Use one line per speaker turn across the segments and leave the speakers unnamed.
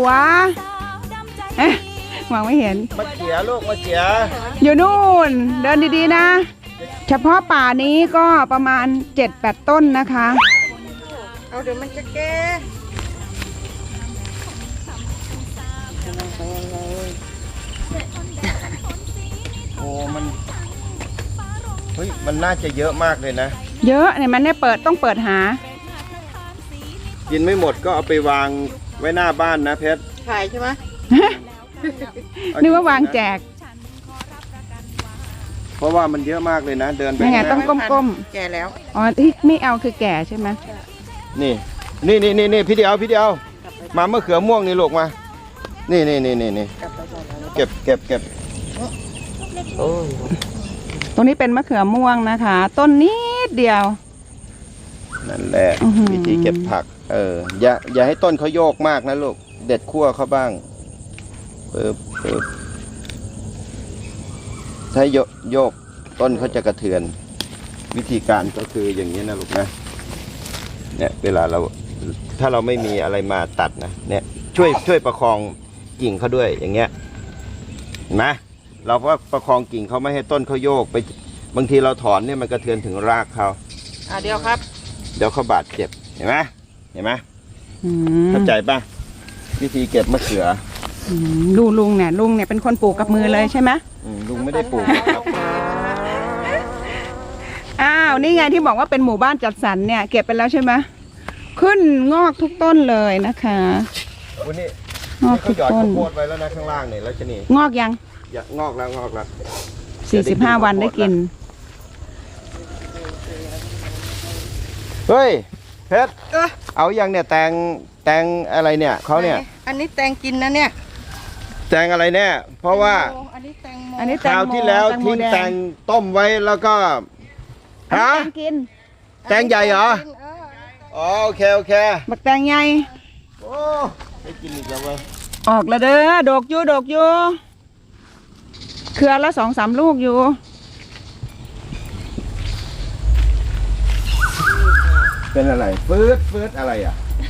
วมองไม่เห็น
มะเขือลูกมะเขือ
อยู่นู่นเดินดีๆนะ เฉพาะป่านี้ก็ประมาณ 7-8 ต้นนะคะ
เอาเดี๋ยวมันจะแก่
โอ้มันเฮ้ยมันน่าจะเยอะมากเลยนะ
เยอะเนี่ยมันเนี่ยต้องเปิดหา
กินไม่หมดก็เอาไปวางไว้หน้าบ้านนะเพชร
ขายใช่ไหม
นึกว่าวางแจก
เพราะว่ามันเยอะมากเลยนะเดินไป
ยังไงต้องก้ม
แก่แล้ว
อ๋อที่ไม่เอาคือแก่ใช่ไหม
นี่พี่เดียวมามะเขือม่วงนี่ลูกมานี่เก็บโอ้ย
ตรงนี้เป็นมะเขือม่วงนะคะ ต้นนิดเดียว
นั่นแหละ
อื้อหือ
วิธีเก็บผักอย่าให้ต้นเขาโยกมากนะลูกเด็ดขั้วเขาบ้างปึ๊บถ้าโยกต้นเขาจะกระเทือน วิธีการก็คืออย่างนี้นะลูกนะเนี่ยเวลาถ้าเราไม่มีอะไรมาตัดนะเนี่ยช่วยประคองกิ่งเขาด้วยอย่างเงี้ยเห็นไหมเราก็ประคองกิ่งเขาไม่ให้ต้นเขาโยกไปบางทีเราถอนเนี่ยมันกระเทือนถึงรากเขา
เดี๋ยวครับ
เดี๋ยวเขาบาดเจ็บเห็นไหม
อืม
เข้าใจป่ะวิธีเก็บมะเขือ
ดูลุงเนี่ยเป็นคนปลูกกับมือเลยใช่ไหม
ลุงไม่ได้ปลูกนะครับ
อ้าวนี่ไงที่บอกว่าเป็นหมู่บ้านจัดสรรเนี่ยเก็บไปแล้วใช่ไหมขึ้นงอกทุกต้นเลยนะคะ
วันนี้
งอก
เขา
ทุก
หยอด
ต้น
ข้าวโพดไว้แล้วนะข้างล่างเนี่ยแล้วชนี
งอกยัง
งอกแล้ว
45 วันได้กิน
เฮ้ยเพชรเอาอย่างเนี่ยแตงอะไรเนี่ยเขาเนี่ย
อันนี้แตงกินนะเนี่ย
แตงอะไรแน่เพราะว่า
อันนี้แตงโม
อันนี้
คราวที่แล้วทิ้งแตงต้มไว้แล้วก็
ฮะ
ฮะ
กิน
แตงใหญ่เหรออ๋อโอเค
บักแตงใหญ่
โอ้ไม่กินอีกแล้วเว้ย
ออกแล้วเด้อดกอยู่เครือละ2-3 ลูกอยู่
เป็นอะไรฟืดอะไรอ่ะ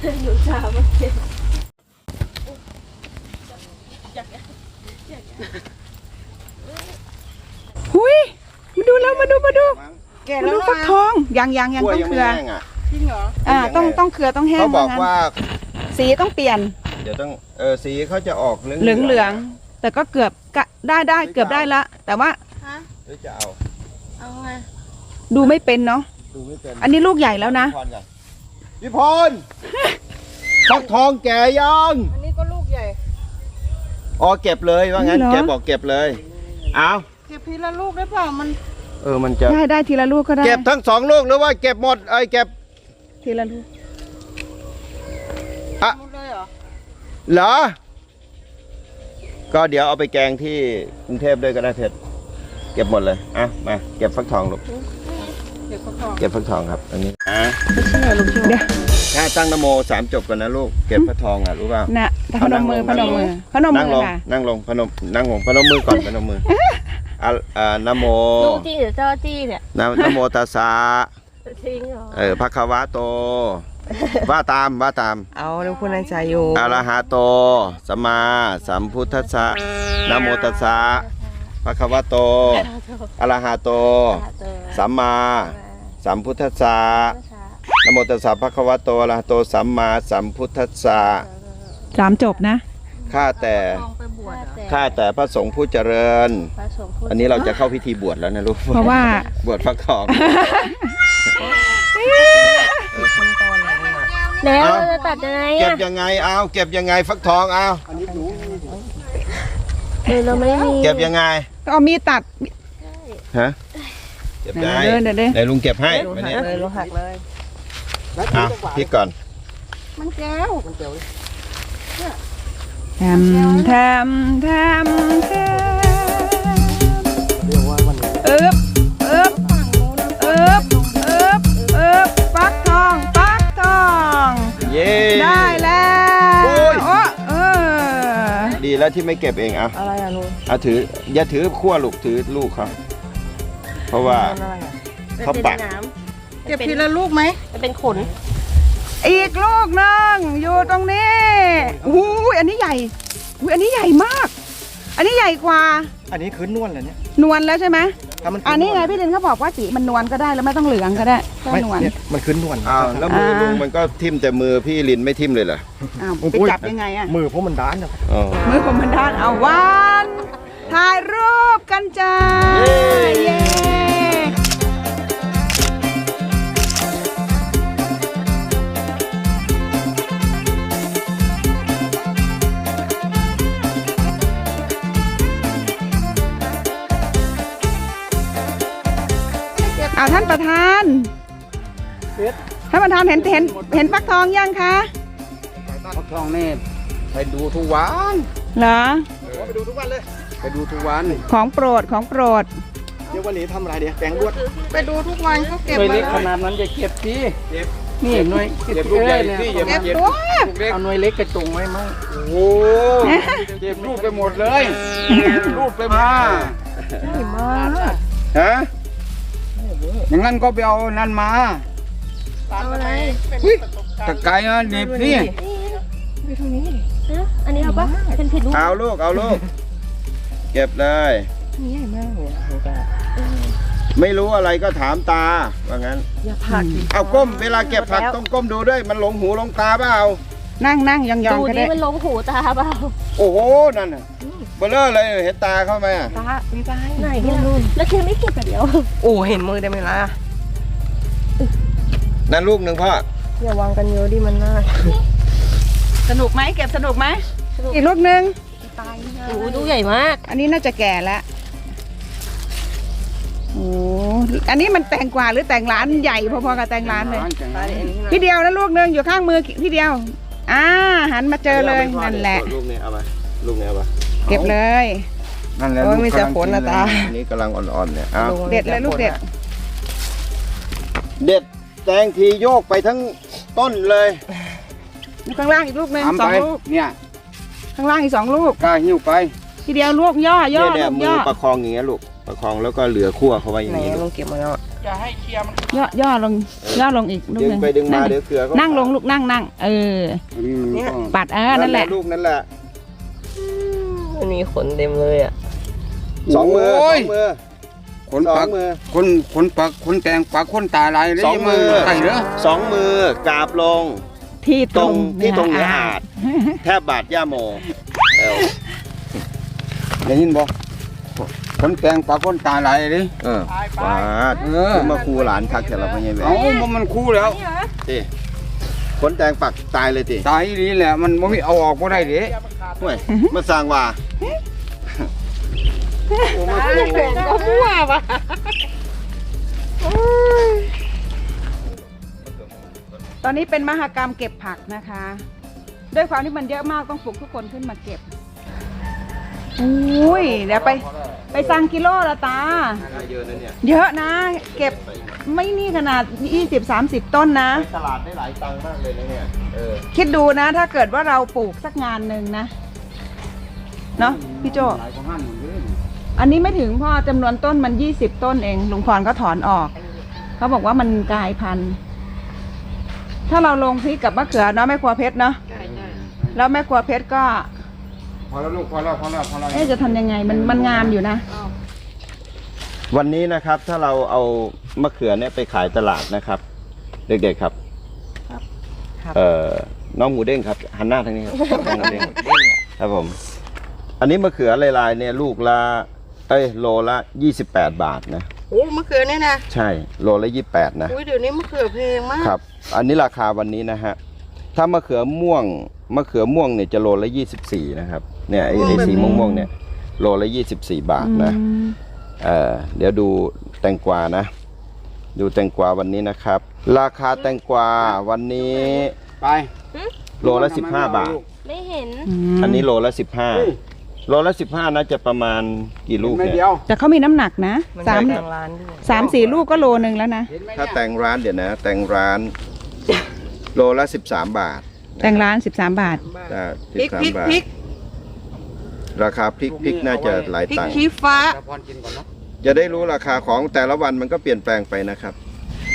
หุยมาดูแล้วมาดู
แก่
มา
แล้
ดู
ว
ฟักทองยัง
กล้
ต้
วย
อง
ยัง
เค
ไม่
รือ
แห้งอ่ะ
จริงเหรอ
ต้องเครือต้องแห้ง
เขาบอกว่า
สีต้องเปลี่ยน
เดี๋ยวต้องสีเขาจะออกเหลือง
เหลืองแต่ก็เกือบได้เกือบได้ละแต่ว่า
ฮะ
หรือจะเอา
เอาไง
ดูไม่เป็นเนาะ
ดูไม่เป็น
อันนี้ลูกใหญ่แล้วนะ
พี่พรฟักทองแก่ยัง
อันนี้ก็ลูกใหญ่
อ๋อเก็บเลยว่างั้น
เหรอ
แกบอกเก็บเลยเอา
เก็บทีละลูกได้เปล่ามัน
มันจะ
ได้ทีละลูกก็ได้
เก็บทั้ง2 ลูกหรือว่าเก็บหมดเก็บ
ทีละลูก
อ่ะ
หมดเลยเหรอ
เหรอก็เดี๋ยวเอาไปแกงที่กรุงเทพด้วยก็ได้เพชรเก็บหมดเลยมาเก็บฟักทองลูก
เก็บฟักทอง
เก็บฟักทองครับอันนี้
เดี๋ยว
ถ้าตั้งนโม3 จบก่อนนะลูกเก็บฟักทองรู้เปล่า
นะพนมมือ
นั่งลง
ค่ะ
นั่งลงพนมมือก่อนพนมมือนะโม
ดูจริงหรือเจ้าจี้เนี่ย
นะโมตัสสะ
จริงเหรอ
ภะคะวะโตว่าตาม
เอาเดี๋ยวคุณในใจอยู่
อะระหะโตสัมมาสัมพุทธัสสะนะโมตัสสะภะคะวะโตอะระหะโตสัมมาสัมพุทธัสสะนะโมตัสสะภะคะวะโตอะระหะโตสัมมาสัมพุทธัสสะ
3 จบนะ
ข้าแต่
ลองไปบวชเหรอ
ข้าแต่พระสงฆ์ผู้เจริญ
พระสงฆ์พูด
อันนี้เราจะเข้าพิธีบวชแล้วนะลูก
เพราะว่า
บวชฟักทอง
แล้ว
เอา
เราจะตัดยังไง
เก็บ
อ่ะ
ยังไงเก็บยังไงฟักทอง
เราไม่มี
เก็บยังไง
ก็เอามีดตัด
ฮะเก็บได้
เดิน
ไหนลุงเก็บให้วันนี้
เลยลงหักเลย
พริกก่อน
มันแก้ว
แทมอึ๊บฟักทอง
เย้
ได้แล้ว
โอ้ย
โอ้
ดีแล้วที่ไม่เก็บเอง
อะไรอ่ะลุง
ถืออย่าถือขั้วลูกถือลูกเขาเพราะว่า
อะไรอ่ะ
เขาปัก
น้
เก็บทีละลูกไหม
ำมันเป็นขน
อีกลูกหนึงอยู่ตรงนี้อู้ยอันนี้ใหญ่อุ้ยอันนี้ใหญ่มาก อันนี้ใหญ่กว่า
อันนี้คือนวลเหรอเนี่ย
นวลแล้วใช่ไหม
ถ้ามันคื
อันนี้ไงพี่ลินเขาบอกว่าสีมันนวลก็ได้แล้วไม่ต้องเหลืองก็ได้แค่
ไม่
นวล
เนี่ยมันคือนวล
อ้าวแล้วมือลุงมันก็ทิ่มแต่มือพี่ลินไม่ทิ่มเลยเหรอ
อ้าวไปจับยังไงอะ
มือเพราะมันด้านนะครับ
อ๋อ
มือผมมันด้านเอาวันถ่ายรูปกันจ้า เย้เอาท่านประธานท่านประธานเห็นฟักทองยังคะ
ฟักทองนี่ไปดูทุกวัน
เหรอ
ไปดูทุกวันเลย
ไปดูทุกวัน
ของโปรดของโปรด
เดี๋ยววันนี้ทำอะไรเดี๋ยวแกงบวช
ไปดูทุกวันเขาเก็บ
หน่วย
มา
เล็กข
แล้ว
นาดนั้นจะเก็บสิ
นี่หน่วย
เก็บลูกใหญ่สิอย่า
เก็
มา
บ
เก็บ
ตัว
ลูกเล็กเอาหน่วยเล็กกระจงไว้มั้ง
โอ้
เก็บลูกไปหมดเลยลูกไปมา
ฮะ
อย่างนั้นก็ไปเอานั่นมา
เอาอะไร
ตะไคร้นะหนีบนี่
ฮะอันนี้เอาปะเป็นผิดรูป
เอาลูกเก็บเลย
นี่ใหญ่มากเลย
ไม่รู้อะไรก็ถามตาว่างั้น
อย่าผักดิ
เอาก้มเวลาเก็บผักต้องก้มดูด้วยมันหลงหูหลงตาเปล่า
นั่งยอง
ดู
ๆก็
นี่
ได้
มันลงหูตาเปล่า
โอ้โหนั่นน่ะเบลอเลยเห็นตาเข้าไหมอะ
ตามีตา
ไหนเนี่ยแล้วเคียไม่เก็บแบบเดียว
โอ้เห็นมือได้ไหมล่ะ
นั่นลูกหนึ่งพ่อ
อย่าวางกันเยอะดิมันน่า
สนุกไหมเก็บสนุกไหมอีกลูกหนึ่ง
โอ้ดูใหญ่มาก
อันนี้น่าจะแก่แล้วโอ้อันนี้มันแต่งกว่าหรือแต่งร้านใหญ่พอๆกับแต่งร้านเลย พี่เดียวนะลูกหนึ่งอยู่ข้างมือพี่เดียวหันมาเจอเลยนั่นแหละ
ลูกนี้เอาไปลูกนี้เอาไป
เก็บเลย
นั่นแหละ
โอ้ยมีแต่ผลนะตา
อันนี้กำลังอ่อนๆเนี่ยเอา
เด็ดเลยลูกเด็ด
เด็ดแตงทีโยกไปทั้งต้นเลย
ข้างล่างอีกลูกหนึ่ง
ทำ
สอ
ไป
งลูก
เนี่ย
ข้างล่างอีก2 ลูก
กล้าหิ้วไป
พี่เดียวลูกย่อ
เนี่ย
ลูก
มื
ย่
อ
อ
ประคองอย่างเงี้ยลูกประคองแล้วก็เหลือขั้วเข้าไว้อย่า
ไหน
งนี้
ล
ลู
ง
ก
เก็บมาแล้ว
ย่อลงอีกลูก
ดึ
ห
ง
นึ่ง
ไปดึงมาเดี๋ยวเกลือเขา
นั่งลงลูกนั่งเออ
อันนี้มันก็
ปัดนั่นแหละ
ลูกนั่นแหละ
มันมีขนเต็มเลยอ่ะ
สองมือ
โอ้ย ขน
สอ
ปั
ง
ก
มือ
ขนปักขนแตงปักขนตาลายเลย
สองมือ
ใส่เด้อ
สองมือกราบลง
ที่
ตรงที่ตรงเนื้ออาจแทบบาดย่าโมเอว
ได้ยินบ่ขนแตงปักขนตาลายเลย
บาดคือมาครูหลานคักแต่เราไม่ใช่แหว
เอ้ามันคู่แล้ว
ติขนแตงปักตายเลยติ
ตายนี่แหละมันบ่มีเอาออกบ่ได้เด้
ห่วยมาสร้างว่าโอ้มาครู
ก็มั่วปะ
ตอนนี้เป็นมหกรรมเก็บผักนะคะ ด้วยความที่มันเยอะมากต้องปลุกทุกคนขึ้นมาเก็บอุ้ยเดี๋ยวไปสั่งกิโลละตา
ได้เยอะนะเนี่ย
เยอะนะ เก็บไม่นี่ขนาด 20-30 ต้นนะ
ไปตลาดได้หลายตังค์มากเลยนะเนี่ย
คิดดูนะถ้าเกิดว่าเราปลูกสักงานหนึ่งนะ เนาะพี่โจ
หลายกว่าหันเลย
อันนี้ไม่ถึงพ่อจำนวนต้นมัน20 ต้นเองลุงพรก็ถอนออก เขาบอกว่ามันกลายพันธุ์ ถ้าเราลงพริกกับมะเขือเนาะแม่ครัวเพชรเนาะแล้วแม่ครัวเพชรก็
พอแล้วลูกพอแล้ว
จะทำยังไงมันงามอยู่นะ
วันนี้นะครับถ้าเราเอามะเขือเนี่ยไปขายตลาดนะครับ เด็กๆครับ น้องหมูเด้งครับหันหน้าทางนี้ครับน้องหมูเด้งครับผม อันนี้มะเขือลายๆเนี่ยลูกละโลละ28 บาทนะ
โอ้มะเขือเนี่ยนะ
ใช่โลละ28นะ
อุ้ยเดี๋ยวนี้มะเขือแพงมาก
ครับ อันนี้ราคาวันนี้นะฮะถ้ามะเขือม่วงเนี่ยจะโลละ24นะครับเนี่ยไอ้สีม่วงๆเนี่ยโลละ24 บาทนะเดี๋ยวดูแตงกวานะ ดูแตงกวาวันนี้นะครับ ราคาแตงกวาวันนี้
ไป
โลละ15 บาท
ไม่เห็น
อันนี้โลละ15โลละ15น่าจะประมาณกี่ลูก
ไม่
เนี่ย
เดียว
แต่เขามีน้ำหนักนะ
มัน
สาม
ได้ทางร้านด้วย
3-4 ลูกก็โลนึงแล้วนะ
ถ้าแต่งร้านเดี๋ยวนะแต่งร้านโลละ13 บาท
แต่งร้าน 13 บาท
พริก
13 บาท ราคาพริกน่าจะหลาย
พริก
ตังค์
ชี้ฟ้า
พรกินก่อนเนาะ
จะได้รู้ราคาของแต่ละวันมันก็เปลี่ยนแปลงไปนะครับ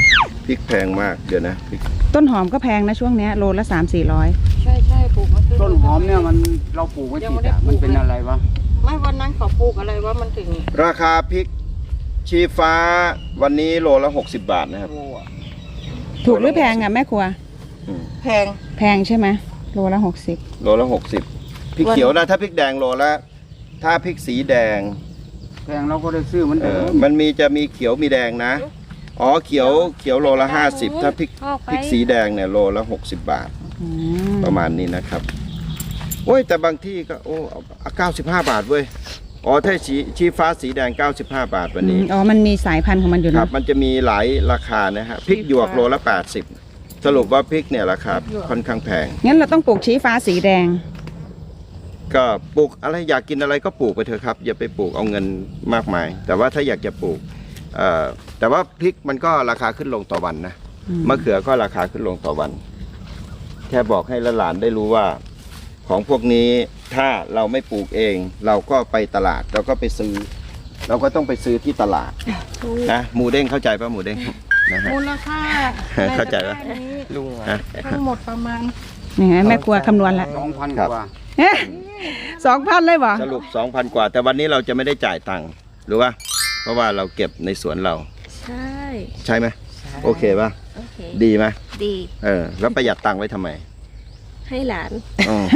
พริกแพงมากเดี๋ยวนะพริก
ต้นหอมก็แพงนะช่วงเนี้ยโลละ300-400
ใช่ใช่ปลูกมา
ต้นหอมเนี่ยมันเราปลูกไว้ติดอะมันเป็นอะไรวะ
ไม่วันนั้นเขาปลูกอะไรว่ามันถึง
ราคาพริกชี้ฟ้าวันนี้โลละ60 บาทนะครับ
ถูกหรือแพงอ่ะแม่ครัว
แพง
แพงใช่ไหมโลละ60
โลละ60พริกเขียวนะถ้าพริกแดงโลละถ้าพริกสีแดง
แพงเราก็ได้ซื้อมันเดิม
มันจะมีเขียวมีแดงนะอ๋อเขียวโลละ50ถ้าพริกสีแดงเนี่ยโลละ60 บาท
อืม
ประมาณนี้นะครับโอ้ยแต่บางที่ก็โอ้95 บาทเว้ยอ๋อถ้าชี้ฟ้าสีแดง95 บาทวันนี้
อ๋อมันมีสายพันธุ์ของมันอยู่
ครั
นะ
บมันจะมีหลายราคานะฮะพริกหยวกโลละ80สรุปว่าพริกเนี่ยราคาค่อนข้างแพง
งั้นเราต้องปลูกชี้ฟ้าสีแดง
ก็ปลูกอะไรอยากกินอะไรก็ปลูกไปเถอะครับอย่าไปปลูกเอาเงินมากมาย แต่ว่าถ้าอยากจะปลูกแต่ว่าพริกมันก็ราคาขึ้นลงต่อวันนะ
อืม
มะเขือก็ราคาขึ้นลงต่อวัน แค่บอกให้หลานๆได้รู้ว่า ของพวกนี้ถ้าเราไม่ปลูกเอง เราก็ไปตลาดเราก็ไปซื้อ เราก็ต้องไปซื้อที่ตลาดนะหมูเด้งเข้าใจป่ะหมูเด้งนะฮะ
มูลค่า
เข้าใจปะ
ในตะกร้านี้
ลุงอะ
ฮะ
ทั้งหมดประมาณ
นี่ไงแม่ครัวคำนวณละ
2,000
ครับ
กว่า
เอ๊ะ2,000เลยบ่
สรุป 2,000 กว่า แต่วันนี้เราจะไม่ได้จ่ายตังค์หรือว่าเพราะว่าเราเก็บในสวนเรา
ใช่
ใช่ไหมโอเคป่ะ
โอเค
ดีไหม
ดี
แล้วประหยัดตังค์ไว้ทำไม
ให้หลาน
อืม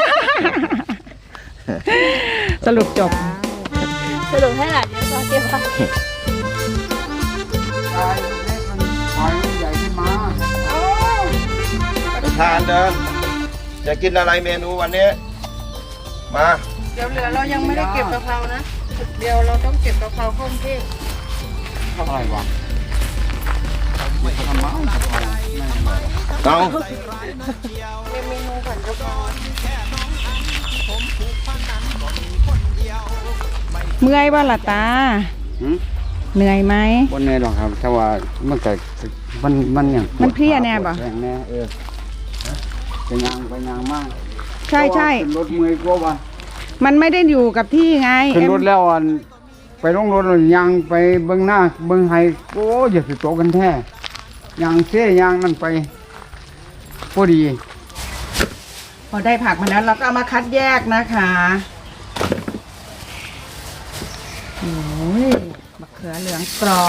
สรุปจบ
สรุปให้หลานเดี๋ยวเราเก็บไว้
ไฟเล็กมันไฟมันใหญ่ขึ้นมา
ทานเดินจะกินอะไรเมนูวันนี้ มา
เดี๋ยวเหลือเรายังไม่ได้เก็บกะเพรานะ เดี๋ยวเราต้องเก็บกะเพราเข้ากรุงเทพ
เท่าไหร่วะ
เอา
เป็นเมนูผัดกะเพรา
เมื่อยบ่ล่ะตา
หืม
เหนื่อยไหม
บนแน่หรอกครับแต่ว่ามันก็มันอย่าง
มันเพลียแน่บ่
ปวดแรงแน่ไปยางมาก
ใช่ใช่
ขึ้นรถเมื่อยกว่าว่ะ
มันไม่ได้อยู่กับที่ไง
ขึ้นรถแล้วอันไปลงรถแล้วยางไปเบื้องหน้าเบื้องไห้โอ้ยอย่าสิโตกันแท้ยางเสียยางนั่นไปพอดี
พอได้ผักมาแล้วเราก็เอามาคัดแยกนะคะโอ้ยมะเขือเหลืองกรอบ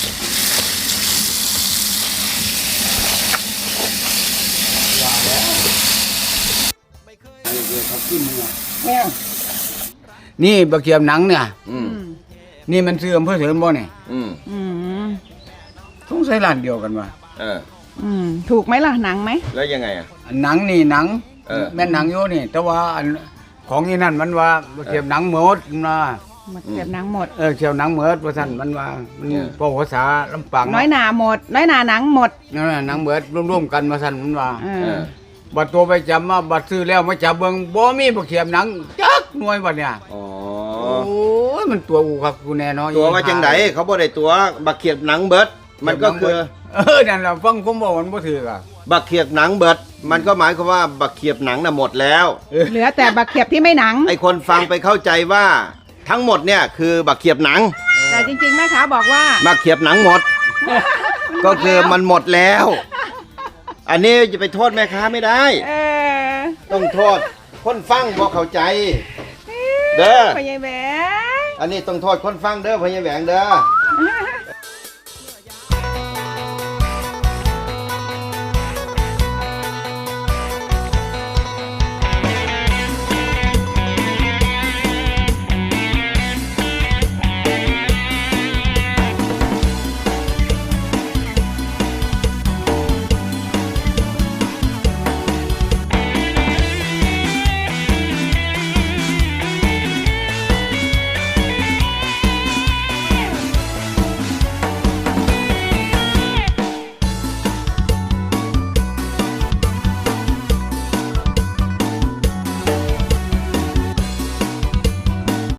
นี่บะเกียบหนังเนี่ย
อืม
นี่มันซื้ออำเภอเสริมบ่เนี่ย
อืม
อืม
สงสัยร้านเดียวกันว่ะ
เออ
ถูกไหมล่ะหนังไหม
แล้วยังไงอ่ะ
อันหนังนี่หนัง
เออ
แม่นหนังอยู่นี่ แต่ว่าอันของนี่นั่นมันว่าบะเกียบหนังหมดนะ
หมดเก็บหนังหมด
เกียบหนังหมดว่าท่านมันว่ามันพอภาษาลำปาง
น้อยหนาหมด น้อยหนาหนังหมด
นั่นน่ะหนังหมดร่วมๆกันว่าท่านมันว่า
เอ
เอ
อ
อ
บัดตัวไปจำมาบัดซื้อแล้วมาจับเบิ่งบ่มีบะเกียบหนังจักหน่วยบัดเนี่ย
อ๋อ
โอ้ยมันตัวอูครับกูแน่เนอน
ตัวว่าจังไดเขาบ่ได้ตัวบักเขียบหนังเบิด มันก็คือ
นั่นล่ะฟังผมบอกมันบ่ถืออ่ะ
บักเขียบหนังเบิด มันก็หมายความว่าบักเขียบหนังน่ะหมดแล้ว
เหลือแต่บักเขียบที่ไม่หนัง
ไอคนฟังไปเข้าใจว่าทั้งหมดเนี่ยคือบักเขียบหนัง
แต่จริงๆแม่ค้าบอกว่า
บักเขียบหนังหมด ก็คือมันหมดแล้ว อันนี้จะไปโทษแม่ค้าไม่ได้
เออ
ต้องโทษคนฟังบ่เข้าใจ เด้อ
พ่อใหญ่แหวง
อันนี้ต้องโทษคนฟังเด้อพญาแหวงเด้อ